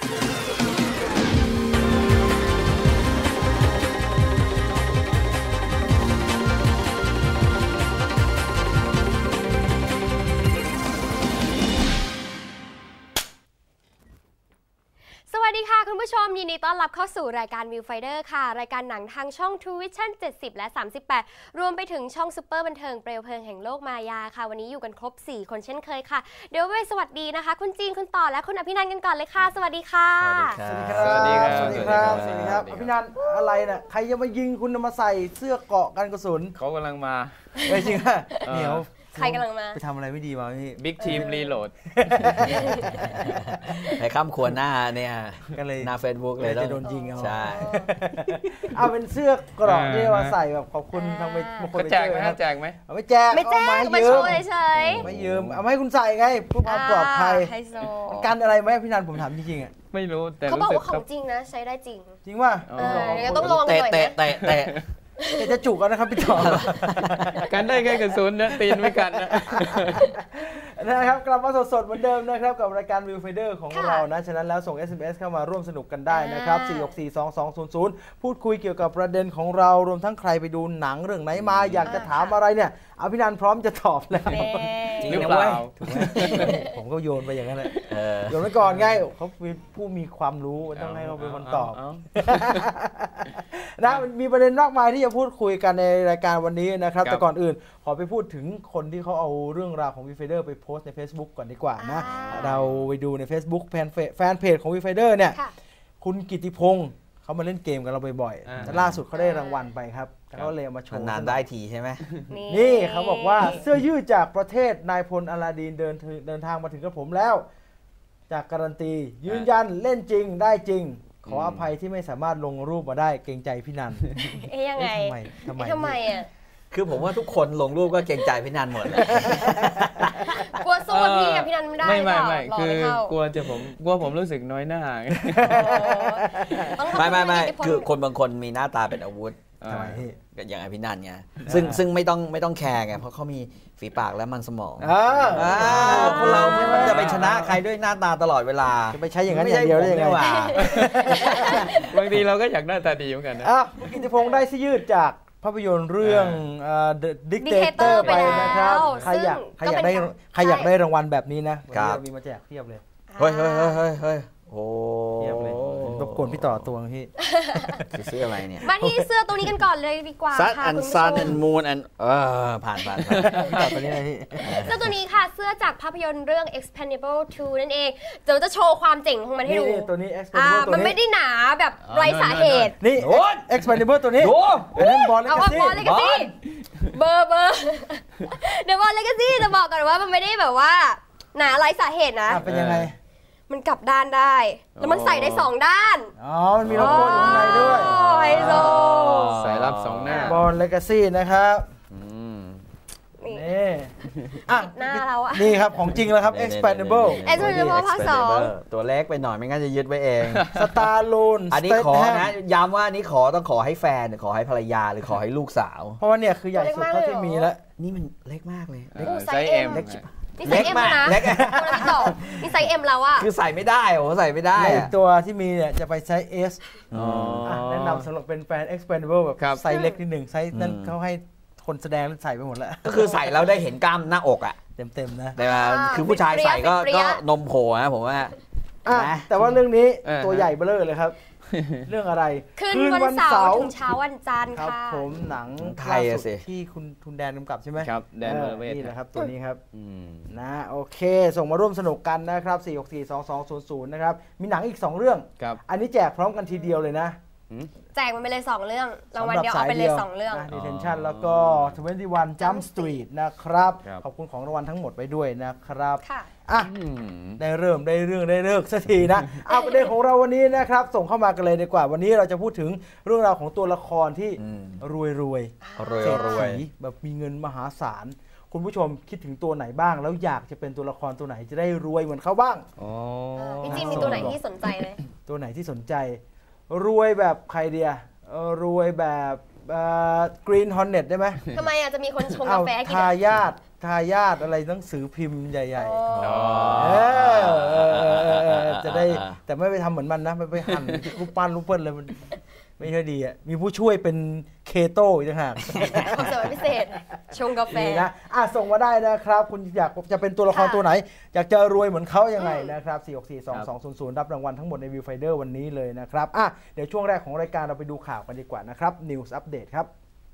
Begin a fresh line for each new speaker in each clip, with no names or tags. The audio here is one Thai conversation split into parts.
สวัสดีค่ะคุณผู้ชมยินดีต้อนรับเข้าสู่รายการ Viewfinder ค่ะรายการหนังทางช่อง True Vision 70 และ 38 รวมไปถึงช่องซุปเปอร์บันเทิงเปลวเพลิงแห่งโลกมายาค่ะวันนี้อยู่กันครบ4คนเช่นเคยค่ะเดี๋ยวไปสวัสดีนะคะคุณจีนคุณต่อและคุณอภินันท์กันก่อนเลยค่ะสวัสดีค่ะ
สวัสดีครับสวัสดีครับสวัสดีครับสวัสดีครับอภินันท์อะไรน่ะใครจะมายิงคุณมาใส่เสื้อเกราะกันกระสุน
เขากำลังมา
ไม่จริงอ่ะเหนียว
ใครกำลังมา
ไปทำอะไรไม่ดีมาพี่
บิ๊กทีมรีโหลด
ไปข้ามขวญหน้าเนี่ย
ก็เลย
หน้า Facebook เลย
จะโดนยิงเอา
ใช่
เอาเป็นเสื้อเกราะที่มาใส่แบบขอบคุณทางบางคน
แจกไหมแจกไหม
ไม่แจก
มาโชว์เฉย
ไม่ยืมเอาให้คุณใส่ไงเพื่อความปลอดภัยกันอะไรไหมพี่นันผมถามจริงๆอ่ะ
ไม่รู้แต่
เขาบอกว่าของจริงนะใช้ได้จริง
จริงว่า
ต้องลองหน่อย
เตะ
จะจุกกันนะครับพี่ต่อ
กันได้แค่กระสุนนะตีนไม่กัน
นะครับกลับมาสดๆเหมือนเดิมนะครับกับรายการ Viewfinder ของเรานะฉะนั้นแล้วส่ง SMS เข้ามาร่วมสนุกกันได้นะครับ4642200พูดคุยเกี่ยวกับประเด็นของเรารวมทั้งใครไปดูหนังเรื่องไหนมาอยากจะถามอะไรเนี่ยอภินันท์พร้อมจะตอบแล้ว
จริงหรือเปล่า
ผมก็โยนไปอย่างนั้นแหละโยนไปก่อนไงเขาเป็นผู้มีความรู้ต้องให้เขาเป็นคนตอบนะมีประเด็นมากมายที่จะพูดคุยกันในรายการวันนี้นะครับแต่ก่อนอื่นขอไปพูดถึงคนที่เขาเอาเรื่องราวของ Viewfinder ไปโพสต์ใน Facebook ก่อนดีกว่านะเราไปดูใน Facebook แฟนเพจของ Viewfinder เนี่ยคุณกิติพงศ์เขามาเล่นเกมกับเราบ่อยๆล่าสุดเขาได้รางวัลไปครับเขาเลยมาโชว์
นานได้ทีใช่ไหม
นี่เขาบอกว่าเสื้อยืดจากประเทศนายพลอลาดีนเดินทางมาถึงกับผมแล้วจากการันตียืนยันเล่นจริงได้จริงขออภัยที่ไม่สามารถลงรูปมาได้เกรงใจพี่นัน
ยังไงทำไมอ่ะ
คือผมว่าทุกคนลงรูปก็เกรงใจพี่นันหมดเลย
กลัวสู้พี่กับพี่นันไม่ได้
ไม่คือกลัวผมรู้สึกน้อยหน้า
ไม่คือคนบางคนมีหน้าตาเป็นอาวุธอย่างพี่นันไงซึ่งไม่ต้องแคร์ไงเพราะเขามีฝีปากและมันสมองคนเราไม่จะไปชนะใครด้วยหน้าตาตลอดเวลา
จะไปใช้อย่างนั้นอย่างเดียวได้ยังไง
บางทีเราก็อยากหน้าตาดีเหมือนกันนะ
กิติพงศ์ได้เสื้อยืดจากภาพยนตร์เรื่อง The Dictator ไปนะครับใครอยากได้รางวัลแบบนี้นะมีมาแจกเพียบเลย
เฮ้ยโอ้
รบกวนพี่ต่อตัวพี่
เสื้ออะไรเนี่ย
มาที่เสื้อตัวนี้กันก่อนเลยดีกว่าค่ะคุณผู้ชม
Sun and Moon and ผ่าน
ต่อตัวนี้เลยพี่
เสื้อตัวนี้ค่ะเสื้อจากภาพยนตร์เรื่อง Expendable 2 นั่นเองจะโชว์ความเจ๋งของมันให้ดู
ตัวนี้ Expendable
มันไม่ได้หนาแบบไร้สาเหตุ
นี่ Expendable ตัวนี้บอลเล
กาซี่เบอร์เดี๋ยวบอลเลกาซี่จะบอกก่อนว่ามันไม่ได้แบบว่าหนาไร้สาเหตุนะ
เป็นยังไง
มันกลับด้านได้แล้วมันใส่ได้2ด้าน
มันมีโลโก้อยู่ข้างในด้วย
ไฮโซ
ใส่รับ2หน้า
บอลเลกาซี่นะครับนี่
หน้าเราอ่ะ
นี่ครับของจริงแล้วครับ Expendable
ภาค2
ตัวเล็กไปหน่อยไม่งั้นจะยึดไว้เอง
Stallone
อันนี้ขอนะย้ำว่านี้ต้องขอให้แฟนขอให้ภรรยาหรือขอให้ลูกสาว
เพราะว่าเนี่ยคือใหญ่สุดเท่าที่มีแล้ว
นี่มันเล็กมากเลย
ไซส์ M นี่ไซส์ M นะนี่ไซส์ M แล้วอ่ะ
คือใส่ไม่ได้ใส่ไม่ได้
ตัวที่มีเนี่ยจะไปไซส์ S แนะนำสำหรับเป็นแฟน Expendable แบบไซส์เล็กนิดหนึ่งไซส์นั้นเขาให้คนแสดงใส่ไปหมดแล้ว
ก็คือใส่แล้วได้เห็นกล้ามหน้าอกอ่ะ
เต็มนะ
แต่คือผู้ชายใส่ก็นมโผล่นะผมว่า
แต่ว่าเรื่องนี้ตัวใหญ่เบ้อเลยครับเรื่องอะไร
คืนวันเสาร์ถึงเช้าวันจันทร์
ค่ะผมหนัง
ไทยสิ
ที่คุณแดนกำกับใช่ไหม
ครับแดนเวอร์เวท
นี่แหละครับตัวนี้ครับนะโอเคส่งมาร่วมสนุกกันนะครับ4642200นะครับมีหนังอีก2เรื่องอันนี้แจกพร้อมกันทีเดียวเลยนะ
แจกมันไปเลย2เรื่องรางวัลเดียวเอาไปเลย2เรื่อง
Detention แล้วก็21 Jump Street นะครับขอบคุณของรางวัลทั้งหมดไปด้วยนะครับได้เริ่มได้เรื่องได้เลิกสักทีนะประเด็นของเราวันนี้นะครับส่งเข้ามากันเลยดีกว่าวันนี้เราจะพูดถึงเรื่องราวของตัวละครที่รวยแบบมีเงินมหาศาลคุณผู้ชมคิดถึงตัวไหนบ้างแล้วอยากจะเป็นตัวละครตัวไหนจะได้รวยเหมือนเขาบ้าง
พี่จีนมีตัวไหนที่สนใจเลย
ตัวไหนที่สนใจรวยแบบใครเดียรวยแบบGreen Hornet ได้ไหม
ทำไมจะมีคนชงกาแฟกิน
ทายาททายาทอะไรหนังสือพิมพ์ใหญ่ๆจะได้แต่ไม่ไปทำเหมือนมันนะไม่ไปหั่นรูปปั้นรูปเปิ้ลเลยมันไม่ค่อยดีอ่ะมีผู้ช่วยเป็นเคโต้อีกต่างหาก
ความสามารถพิเศษชงกาแฟ
นะส่งมาได้นะครับคุณอยากจะเป็นตัวละครตัวไหนอยากจะรวยเหมือนเขายังไงนะครับ4642200รับรางวัลทั้งหมดใน Viewfinder วันนี้เลยนะครับเดี๋ยวช่วงแรกของรายการเราไปดูข่าวกันดีกว่านะครับ News Update ครับ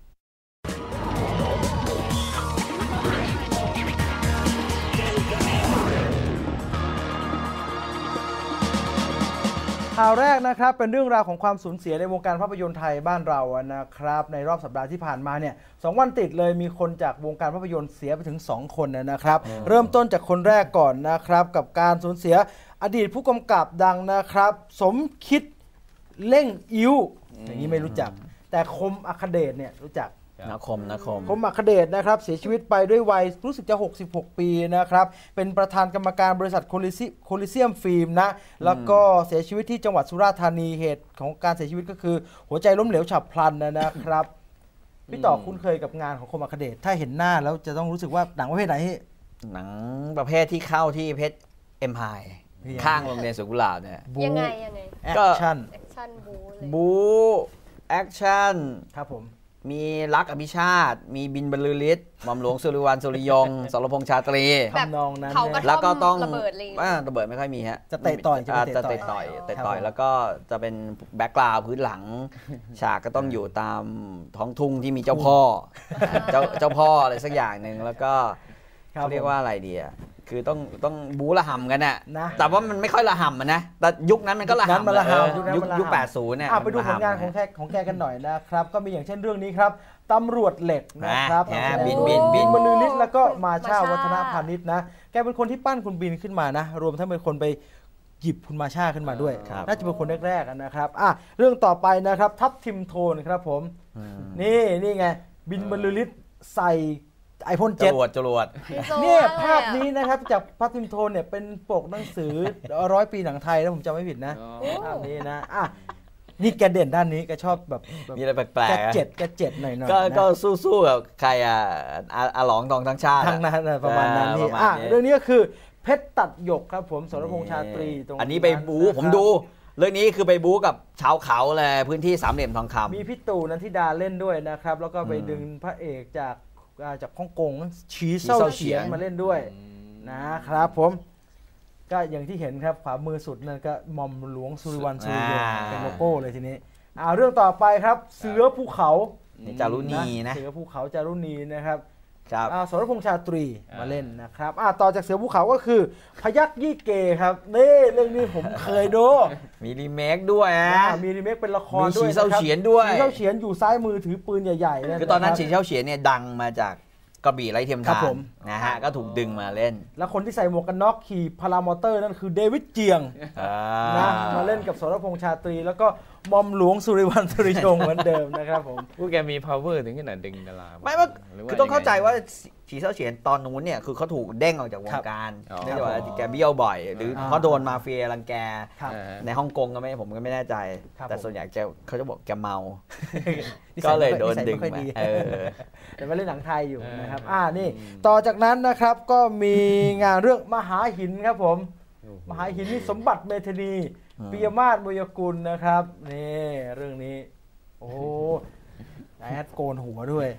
ข่าวแรกนะครับเป็นเรื่องราวของความสูญเสียในวงการภาพยนตร์ไทยบ้านเรานะครับในรอบสัปดาห์ที่ผ่านมาเนี่ย2 วันติดเลยมีคนจากวงการภาพยนตร์เสียไปถึง2 คนนะครับเริ่มต้นจากคนแรกก่อนนะครับกับการสูญเสียอดีตผู้กำกับดังนะครับสมคิดเล่งอิ้วอย่างนี้ไม่รู้จักแต่คมอัคเดชเนี่ยรู้จัก
คม
อัคเดชนะครับเสียชีวิตไปด้วยวัยรู้สึกจะ66 ปีนะครับเป็นประธานกรรมการบริษัทโคลิเซียมฟิล์มนะแล้วก็เสียชีวิตที่จังหวัดสุราษฎร์ธานีเหตุของการเสียชีวิตก็คือหัวใจล้มเหลวฉับพลันนะครับพี่ต่อคุ้นเคยกับงานของคมอัคเดชถ้าเห็นหน้าแล้วจะต้องรู้สึกว่าหนังประเภทไหน
หนังประเภทที่เข้าที่เพชรเอ็มไพร์ข้างโรงเรียนสวนกุหลาบเนี่ย
ยังไง
แอคชั่น
บูแอคชั่น
ครับผม
มีรักอภิชาติมีบินบรรลือฤทธิ์หม่อมหลวงสุริวัลสุริยงสรพงษ์ชาตรี
แบบนองนั้น
แล้วก็ต้อง
ระเบิด
ระเบิดไม่ค่อยมีฮะ
จะเตะต่อย
จะเตะต่อยแล้วก็จะเป็นแบ็คกราวด์พื้นหลังฉากก็ต้องอยู่ตามท้องทุ่งที่มีเจ้าพ่ออะไรสักอย่างหนึ่งแล้วก็เขาเรียกว่าอะไรดีอ่ะคือต้องบู๊ระห่ำกันน่ะแต่ว่ามันไม่ค่อยระห่ำนะแต่ยุคนั้นมันก็ระห่ำยุค80เนี่ย
ไปดูผลงานของแกกันหน่อยนะครับก็มีอย่างเช่นเรื่องนี้ครับตำรวจเหล็กนะครับบินบรรลือฤทธิ์แล้วก็มาชาวัฒนพาณิชย์นะแกเป็นคนที่ปั้นคุณบินขึ้นมานะรวมทั้งเป็นคนไปหยิบคุณมาชาขึ้นมาด้วยน่าจะเป็นคนแรกๆนะครับเรื่องต่อไปนะครับทัพทิมโทนครับผมนี่ไงบินบรรลือฤทธิ์ใส่ไอพ่นเจ็ต
จรวด
เนี่ยภาพนี้นะครับจากพัททิมโทนเนี่ยเป็นปกหนังสือ100 ปีหนังไทยแล้วผมจำไม่ผิดนะภาพนี้นะนี่แกเด่นด้านนี้แกชอบแบบ
มีอะไรแปลก
ๆแกเจ็ดหน่อย
ก็สู้กับใครอาหลองทองทั้งชาติ
ทั้งนั้นประมาณนั้นนี่เรื่องนี้ก็คือเพชรตัดหยกครับผมสรพงษ์ชาตรีตรง
อันนี้ไปบู๊ผมดูเรื่องนี้คือไปบู๊กับชาวเขาเลยพื้นที่สามเหลี่ยมทองคำ
มีพี่ตู่นันทิดาเล่นด้วยนะครับแล้วก็ไปดึงพระเอกจากฮ่องกงฉีเซ่าเฉียนมาเล่นด้วยนะครับผมก็อย่างที่เห็นครับขวามือสุดนั่นก็หม่อมหลวงสุริวัลสุริยงเป็นโลโก้เลยทีนี้เรื่องต่อไปครับเสือภูเขา
จารุณีนะ
เสือภูเขาจารุณีนะครับสรพงษ์ชาตรีมาเล่นนะครับต่อจากเสือภูเขาก็คือพยัคฆ์ยี่เกครับนี่เรื่องนี้ผมเคยดู
มีรีเมคด้วย
มีรีเมคเป็นละครด้วย
มีฉีเซ่าเฉียนด้วย
ฉีเซ่าเฉียนอยู่ซ้ายมือถือปืนใหญ่ๆ
คือตอนนั้นฉีเซ่าเฉียนเนี่ยดังมาจากกระบี่ไร้เทียมทานนะฮะก็ถูกดึงมาเล่น
แล้วคนที่ใส่หมวกกันน็อกขี่พารามอเตอร์นั่นคือเดวิดเจียงนะมาเล่นกับสรพงษ์ชาตรีแล้วก็หม่อมหลวงสุริวัลสุริยงเหมือนเดิมนะครับผม
ผู้แกมี power ถึงขนาดดึงดารา
ไม่ว่าคือต้องเข้าใจว่าฉีเซ่าเฉียนตอนนู้นเนี่ยคือเขาถูกเด้งออกจากวงการเนื่องจากว่าแกเบี้ยวบ่อยหรือเขาโดนมาเฟียรังแกในฮ่องกงก็ไม่ผมก็ไม่แน่ใจแต่ส่วนใหญ่เขาจะบอกแกเมาก็เลยโดนดึงมา
แต่มาเล่นหนังไทยอยู่นะครับนี่ต่อจากนั้นนะครับก็มีงานเรื่องมหาหินครับผมมหาหินนี่สมบัติเมธานีปิยมาศ มยกุลนะครับนี่เรื่องนี้โอ้นายแอดโกนหัวด้วย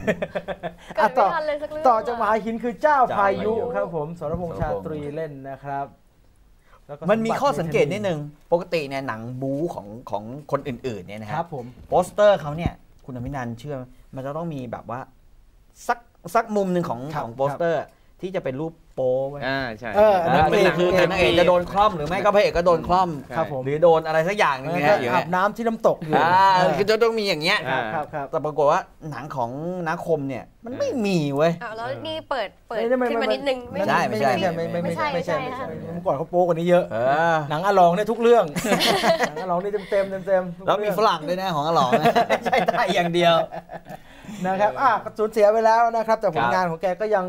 ต่อจากมหาหินคือเจ้าพายุครับผมสรพงษ์ชาตรีเล่นนะครับ
มันมีข้อสังเกตนิดนึงปกติเนี่ยหนังบู๊ของคนอื่นๆเนี่ยนะครับโปสเตอร์เขาเนี่ยคุณอภินันท์เชื่อมันจะต้องมีแบบว่าสักมุมหนึ่งของโปสเตอร์ที่จะเป็นรูปโป๊ไว้
ใช่
คือนางเอกจะโดนคล่อมหรือไม่ก็พระเอกก็โดนคล่อมหรือโดนอะไรสักอย่างนึงนะ
อาบน้ำที่น้ำตกอยู่
คือจะต้องมีอย่างเงี้ยแต่ปรากฏว่าหนังของนักคมเนี่ยมันไม่มีเว้ย
แล้วนี่เปิดขึ้นมานิดนึง
ไม่ใช่
ไม่ใช่เมื่อก่อนเขาโป๊กว่านี้เยอะหนังอลองเนี่ยทุกเรื่องหนังอลองนี่เต็ม
แล้วมีฝรั่งด้วยนะของอลองไม่ใช่ไทยอย่างเดียว
นะครับสูญเสียไปแล้วนะครับแต่ผลงานของแกก็ยัง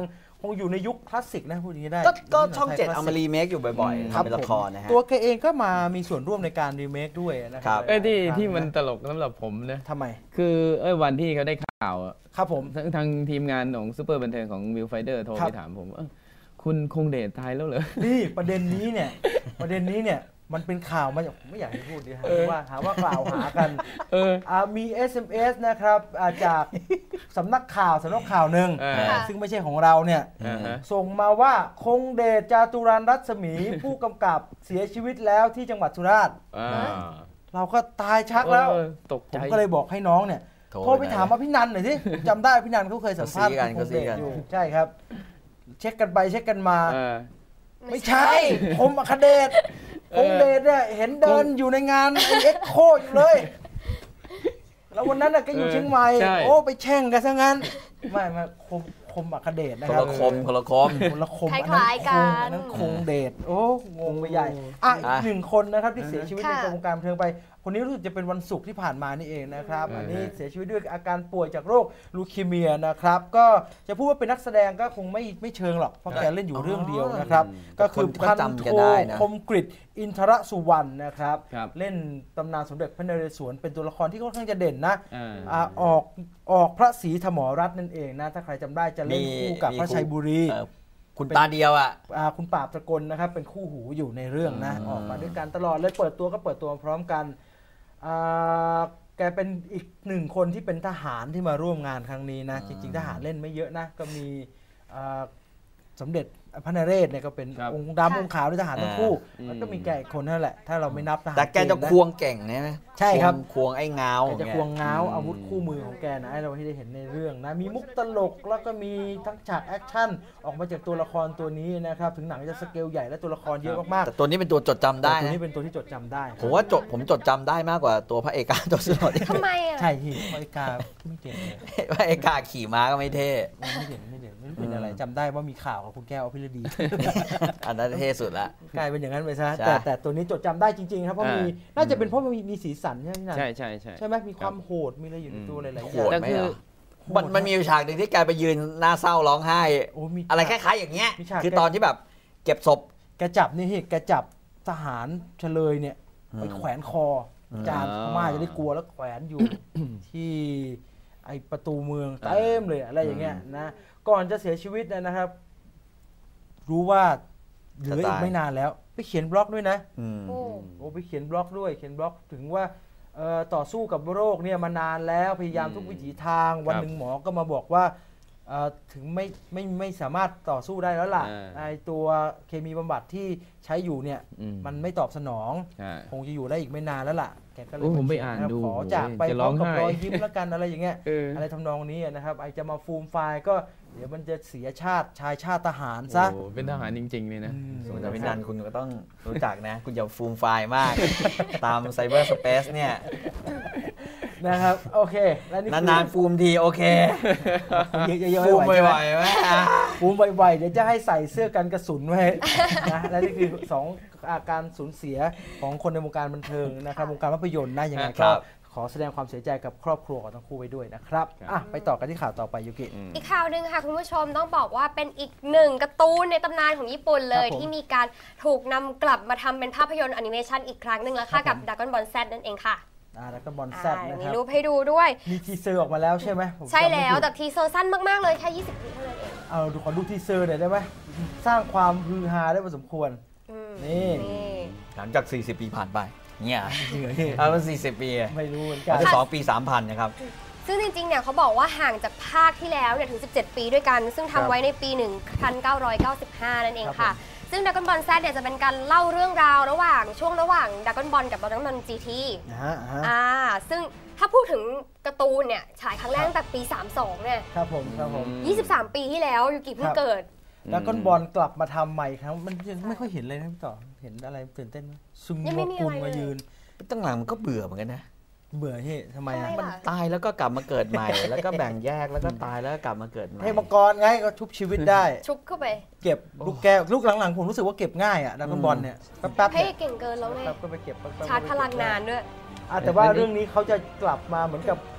คงอยู่ในยุคคลาสสิกนะพูดอย่างนี้ได้
ก็ช่อง 7เอามารีเมคอยู่บ่อยๆทำเป็นละครนะฮะ
ตัวแกเองก็มามีส่วนร่วมในการรีเมคด้วยนะครับ
ที่มันตลกสำหรับผมนะ
ทำไม
คือวันที่เขาได้ข่าว
ครับผม
ทางทีมงานของซูเปอร์บันเทิงของวิวไฟเดอร์โทรไปถามผมคุณคงเดชตายแล้วเหรอ
นี่ประเด็นนี้เนี่ยมันเป็นข่าวมาจากไม่อยากให้พูดดีว่าหาว่ากล่าวหากันมี SMS นะครับจากสำนักข่าวหนึ่งซึ่งไม่ใช่ของเราเนี่ยส่งมาว่าคงเดชจาตุรันรัศมีผู้กำกับเสียชีวิตแล้วที่จังหวัดสุราษฎร์เราก็ตายชักแล้วผมก็เลยบอกให้น้องเนี่ยโทรไปถามพี่นันหน่อยสิจำได้พี่นันเขาเคยสัมภาษณ์คงเดชอยู่ใช่ครับเช็คกันไปเช็คกันมาไม่ใช่ผมอัคเดชคงเดชเนี่ยเห็นเดินอยู่ในงานเอ็กโคอยู่เลยแล้ววันนั้นน่ะก็อยู่เชียงใหม่โอ้ไปแช่งกันซะงั้นไม่คมอัคเดชนะครับ
คนละคม
คล้ายๆกัน
นั้นคงเดชโอ้งงไปใหญ่อีกหนึ่งคนนะครับที่เสียชีวิตในวงการบันเทิงไปคนนี้รู้สึกจะเป็นวันศุกร์ที่ผ่านมานี่เองนะครับอันนี้เสียชีวิตด้วยอาการป่วยจากโรคลูคีเมียนะครับก็จะพูดว่าเป็นนักแสดงก็คงไม่เชิงหรอกเพราะแกเล่นอยู่เรื่องเดียวนะครับก็คือพันโทคมกฤษอินทรสุวรรณนะครับเล่นตำนานสมเด็จพระนเรศวรเป็นตัวละครที่ค่อนข้างจะเด่นนะออกพระศรีธมรัตน์นั่นเองนะถ้าใครจำได้จะเล่นคู่กับพระชัยบุรี
คุณตาเดียว
คุณปราบตะกลนะครับเป็นคู่หูอยู่ในเรื่องนะออกมาด้วยกันตลอดเลยเปิดตัวพร้อมกันแกเป็นอีกหนึ่งคนที่เป็นทหารที่มาร่วมงานครั้งนี้นะจริงๆทหารเล่นไม่เยอะนะก็มีสมเด็จพระนเรศเนี่ยก็เป็นองค์ดำองค์ขาวด้วยทหารทั้งคู่แล้วก็มีแกอีกคนนั่นแหละถ้าเราไม่นับทหาร
แต่แกจะควงเก่งนะ
ใช่ครับ
ควงไอ้เงา
จะควงเงาอาวุธคู่มือของแกนะให้เราที่ได้เห็นในเรื่องนะมีมุกตลกแล้วก็มีทั้งฉากแอคชั่นออกมาจากตัวละครตัวนี้นะครับถึงหนังจะสเกลใหญ่และตัวละครเยอะมากๆ
แต่ตัวนี้เป็นตัวจดจำได้
ตัวนี้เป็นตัวที่จดจำได้
ผมว่าผมจดจำได้มากกว่าตัวพระเอกาตัวสุดหล่อ
ทำไม
ใช่ที่พระเอกาไม่เก่ง
พระเอกาขี่ม้าก็ไม่เท่
ไม่เด่นไม่เป็นอะไรจำได้ว่ามีข่าวกับคุณแก้วอภิรดี
อันนั้นเท่สุดละ
กลายเป็นอย่างนั้นไปซะแต่ตัวนี้จดจำได้จริงๆครับเพราะน่าจะเป็นเพราะมีสีสันใช่ไหมใช่ไหมมีความโหดมีอะไรอยู่ในตัวหลายๆอย่าง
แต่คือมันมีฉากหนึ่งที่แกไปยืนหน้าเศร้าร้องไห้อะไรคล้ายๆอย่างเงี้ยคือตอนที่แบบเก็บศพ
แกจับนี่แกจับทหารเฉลยเนี่ยไปแขวนคอจานพม่าจะได้กลัวแล้วแขวนอยู่ที่ไอประตูเมืองเต็มเลยอะไรอย่างเงี้ยนะก่อนจะเสียชีวิตนะครับรู้ว่าเหลืออีกไม่นานแล้วไปเขียนบล็อกด้วยนะไปเขียนบล็อกด้วยเขียนบล็อกถึงว่าต่อสู้กับโรคเนี่ยมานานแล้วพยายามทุกวิถีทางวันหนึ่งหมอก็มาบอกว่าถึงไม่สามารถต่อสู้ได้แล้วล่ะไอตัวเคมีบำบัดที่ใช้อยู่เนี่ยมันไม่ตอบสนองคงจะอยู่ได้อีกไม่นานแล้วล่ะแกก็เลย
ผมไปอ่านดู
ขอจากไปพร้อมกับรอยยิ้มแล้วกันอะไรอย่างเงี้ยอะไรทำนองนี้นะครับไอจะมาฟูมไฟล์ก็เดี๋ยวมันจะเสียชาติชายชาติทหารซะ
เป็นทหารจริงๆเลยนะ
ส่วนพี่นันคุณก็ต้องรู้จักนะคุณอย่าฟูมไฟล์มากตามไซเบอร์สเปซเนี่ย
นะครับโอเคแล้ว
นี่นานๆฟูมทีโอเค
ฟูมบ่อยๆไหมฟูมบ่อยๆเดี๋ยวจะให้ใส่เสื้อกันกระสุนไว้นะและนี่คือ2อาการสูญเสียของคนในวงการบันเทิงนะครับวงการภาพยนตร์นะยังไงก็ขอแสดงความเสียใจกับครอบครัวของทั้งคู่ไว้ด้วยนะครับไปต่อกันที่ข่าวต่อไปยูกิ
อีกข่าวหนึ่งค่ะคุณผู้ชมต้องบอกว่าเป็นอีกหนึ่งการ์ตูนในตำนานของญี่ปุ่นเลยที่มีการถูกนำกลับมาทำเป็นภาพยนตร์แอนิเมชันอีกครั้งหนึ่งแล้วค่ะกับ Dragon Ball Z นั่นเองค่ะ
แล้วก็บอลแซดนะครับ
มีรูปให้ดูด้วย
มีทีเซอร์ออกมาแล้วใช่ไหม
ใช่แล้วแต่ทีเซอร์สั้นมากๆเลยแค่20 วิเท่านั้นเอง
ขอดูทีเซอร์หน่อยได้ไหมสร้างความฮือฮาได้พอสมควรนี่
หลังจาก40 ปีผ่านไปเนี่ยมัน40 ปี
ไม่รู้เหมือนกัน
2 ปี 3,000นะครับ
ซึ่งจริงๆเนี่ยเขาบอกว่าห่างจากภาคที่แล้วเนี่ยถึง17 ปีด้วยกันซึ่งทำไว้ในปี 1995 นั่นเองค่ะซึ่ง Dragon Ball Z เนี่ยจะเป็นการเล่าเรื่องราวระหว่าง Dragon Ball กับ Dragon Ball GT ซึ่งถ้าพูดถึงการ์ตูนเนี่ยฉายครั้งแรกตั้งแต่ปี32เนี่ย
ครับผม
23 ปีที่แล้วยูกิเพิ่งเกิด
Dragon Ball กลับมาทำใหม่ครับมันยังไม่ค่อยเห็นเลยนะพี่ต่อเห็นอะไรตื่นเต้นไหมซุงโงกุลมายืน
ตั้งหลังมันก็เบื่อเหมือนกันนะ
เบื่อเฮ้ทำไม
มันตายแล้วก็กลับมาเกิดใหม่แล้วก็แบ่งแยกแล้วก็ตายแล้วก็กลับมาเกิดใหม่
ให้มังกรไงก็ชุบชีวิตได้
ชุบเข้าไป
เก็บลูกแก้วลูกหลังๆผมรู้สึกว่าเก็บง่ายอะDragon Ballเนี่ยแป๊บ
ๆให้เก่งเกินแล้วไง
ก็ไปเก็บ
ชาร์จพลังนานด้วย
แต่ว่าเรื่องนี้เขาจะกลับมาเหมือนกับ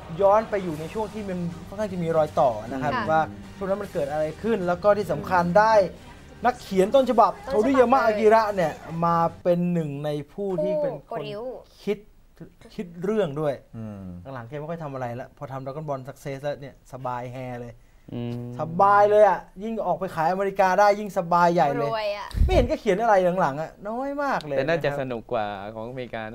ย้อนไปอยู่ในช่วงที่มันค่อนข้างจะมีรอยต่อนะครับว่าช่วงนั้นมันเกิดอะไรขึ้นแล้วก็ที่สำคัญได้นักเขียนต้นฉบับโทริยามะอากิระเนี่ยมาเป็นหนึ่งในผู้ที่เป็นคนคิดเรื่องด้วยหลังๆแกไม่ค่อยทำอะไรแล้วพอทำดราก้อนบอลสักเซสแล้วเนี่ยสบายแฮเลยสบายเลยอ่ะยิ่งออกไปขายอเมริกาได้ยิ่งสบายใหญ่เลยไม่เห็นก็เขียนอะไรหลังๆอ่ะน้อยมากเลย
แต่น่าจะสนุกกว่าของอเมริกา